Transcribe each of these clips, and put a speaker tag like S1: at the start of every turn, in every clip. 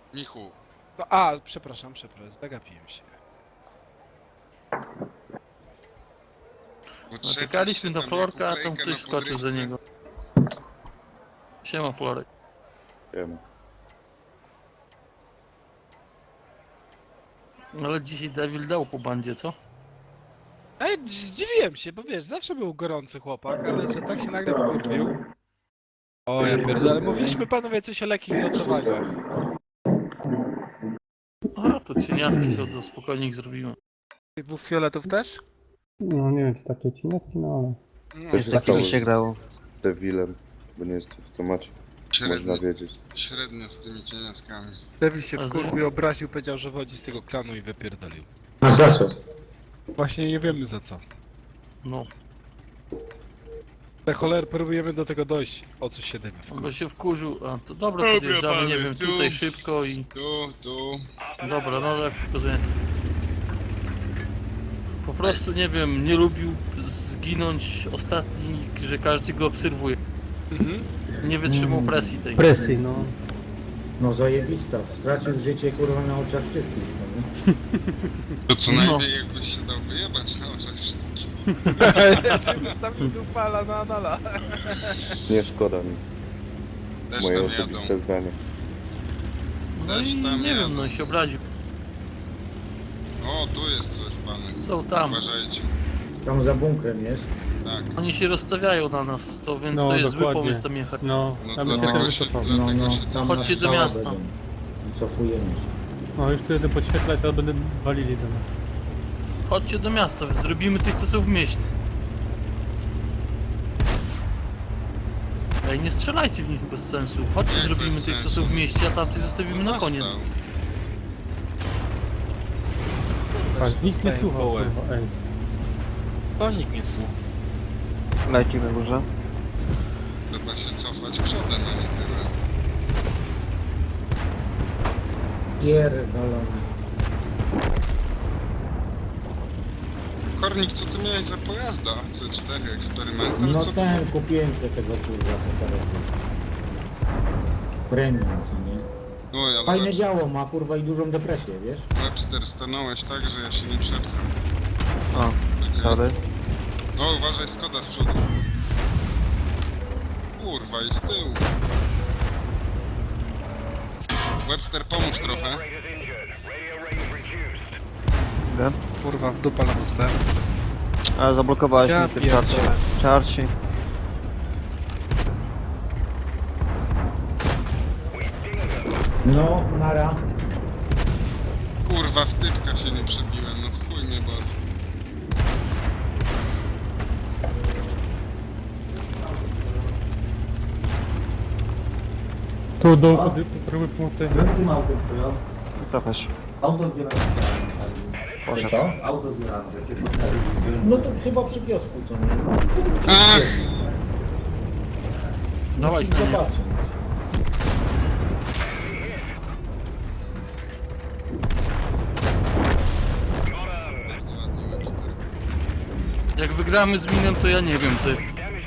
S1: Michu.
S2: No, przepraszam, zagapiłem się.
S3: Czekaliśmy do Florka, a tam ktoś skoczył za niego. Siema Florek.
S4: Wiem.
S3: Ale dzisiaj Devil dał po bandzie, co?
S2: Ej, zdziwiłem się, bo wiesz, zawsze był gorący chłopak, ale że tak się nagle wkurwił. O, ja pierdolę, mówiliśmy panowie coś o lekkich losowaniach.
S3: A, to cieniaski są, to spokojnie ich zrobimy.
S2: Tych dwóch fioletów też?
S5: No nie wiem, czy takie cieniaski, no ale...
S1: No,
S4: Też
S6: Z takimi się grało.
S4: Devilem, bo nie jest w temacie. Można
S1: średnio,
S4: wiedzieć.
S1: średnio z tymi cieniaskami.
S2: Devil się
S3: A
S2: wkurwił, obraził, powiedział, że wodzi z tego klanu i wypierdolił.
S7: A za co?
S2: Właśnie nie wiemy za co.
S3: No,
S2: Te choler, próbujemy do tego dojść, o co się Devil
S3: on
S2: wkurwił.
S3: by się wkurzył, a to dobra,
S1: Dobra,
S3: podjeżdżamy, nie
S1: panie,
S3: wiem,
S1: tu.
S3: tutaj szybko i...
S1: Tu.
S3: Dobra, no ale pokazuję. Po prostu, nie wiem, nie lubił zginąć ostatni, że każdy go obserwuje.
S2: Mhm.
S3: Nie wytrzymał presji tej.
S5: Presji, no.
S7: No zajebista. Stracił życie kurwa na oczach wszystkich, no nie?
S1: To co
S3: No.
S1: najmniej jakbyś się dał wyjebać na oczach wszystkich.
S2: Ja się wystawił do pala na anala.
S4: Nie szkoda mi.
S1: Też
S4: Moje
S1: tam
S4: osobiste
S1: jadą.
S4: zdanie.
S3: No i
S1: Też tam
S3: nie
S1: jadą.
S3: wiem, no i się obraził.
S1: O, tu jest coś, pany.
S3: Są tam.
S1: Uważajcie.
S7: Tam za bunkrem jest.
S1: Tak.
S3: Oni się rozstawiają na nas, to więc
S5: No,
S3: to jest zły
S5: dokładnie.
S3: pomysł tam jechać.
S5: No,
S1: No
S5: tam się
S1: dlatego
S5: tam
S1: się,
S5: wycofał.
S1: dlatego się
S7: tam
S3: Chodźcie
S7: na
S3: do
S7: strzała
S3: miasta.
S7: będą. Cofujemy się.
S5: No już tu jeden podświetla i to będę walili do nas.
S3: Chodźcie do miasta, zrobimy tych, co są w mieście. Ej, nie strzelajcie w nich bez sensu. Chodźcie,
S1: Jak
S3: zrobimy
S1: bez
S3: tych, co
S1: sensu?
S3: są w mieście, a tamtych zostawimy na koniec.
S1: Nastał.
S5: Tak, nic nie
S2: Dostaję
S5: słuchał,
S2: połę.
S5: kurwa, ej.
S2: To nikt nie słucha.
S6: Lajcik na górze.
S1: Trzeba się cofać przodem, a nie tyle.
S7: Pierdolony.
S1: Kornik, co ty miałeś za pojazda? C4 eksperymental?
S7: No
S1: Co
S7: ten, kupiłem się tego kurwa, to teraz jest. Premium, co nie?
S1: Oj, ale
S7: Fajne działo ma kurwa i dużą depresję, wiesz?
S1: Webster stanąłeś tak, że ja się nie przepcham.
S6: O, sorry.
S1: O, uważaj, Skoda z przodu. Kurwa, i z tyłu. Webster, pomóż trochę.
S6: Idę.
S2: Kurwa, w dupa na dostałem.
S6: A, zablokowałeś
S2: Ja
S6: mnie tym czarcie.
S2: pierdolę.
S6: Czarci.
S7: No, nara.
S1: Kurwa, w typka się nie przebiłem, no chuj mnie boli.
S5: Tu do próby pomocy.
S6: Cofaj się. Poszedł.
S7: No to chyba przy kiosku, co nie?
S1: Ach!
S3: Dawaj,
S7: Musisz
S3: stanie.
S7: zobaczyć.
S1: Bardzo ładnie, Webster.
S3: Jak wygramy z minem, to ja nie wiem, ty.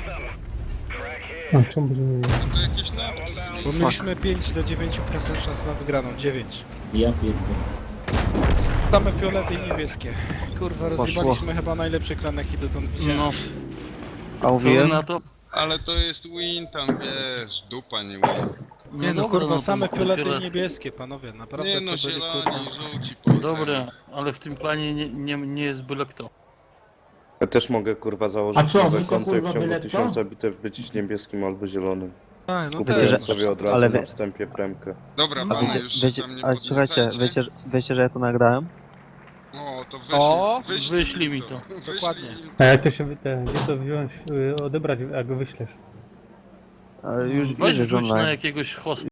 S5: A, czemu będziemy mieli?
S1: No to jakieś napki
S2: Bo
S1: zmień.
S2: mieliśmy 5 do 9% szans na wygraną, 9.
S7: Ja pierdolę.
S2: Same fiolety i niebieskie. Kurwa,
S6: Poszło.
S2: rozjebaliśmy chyba najlepszy klan, jaki dotąd widziałem.
S3: No,
S6: A
S3: co wy
S6: mówiłem?
S3: na to?
S1: Ale to jest win tam, wiesz, dupa nie win.
S2: Nie no,
S3: dobra,
S2: kurwa, same
S3: to
S2: fiolety i
S3: fiolet.
S2: niebieskie, panowie, naprawdę
S1: Nie no,
S2: to byli, kurwa...
S1: zieloni, żółci, po
S3: Dobra, ale w tym planie nie jest byle kto.
S4: Ja też mogę kurwa założyć
S7: A co,
S4: nowe
S7: my to,
S4: konto i w
S7: kurwa,
S4: ciągu
S7: byle kto?
S4: 1000 bitew być niebieskim albo zielonym.
S2: Tak, no
S4: Kupiłem
S6: że-
S2: też.
S4: sobie od razu
S6: ale
S4: na
S6: wie-
S4: wstępie premkę.
S1: Dobra,
S6: A
S1: panie,
S6: wiecie,
S1: już się
S6: wiecie,
S1: tam nie
S6: ale słuchajcie,
S1: podniecajcie.
S6: wiecie, że ja to nagrałem?
S1: O, to
S2: O,
S3: wyślij mi to.
S1: Wyślij
S2: Dokładnie.
S1: im
S5: A jak to się gdzie to wziąć, odebrać, jak go wyślesz?
S6: Ale już
S3: Weź
S6: jest
S3: rzuć na
S6: online.
S3: jakiegoś hosta.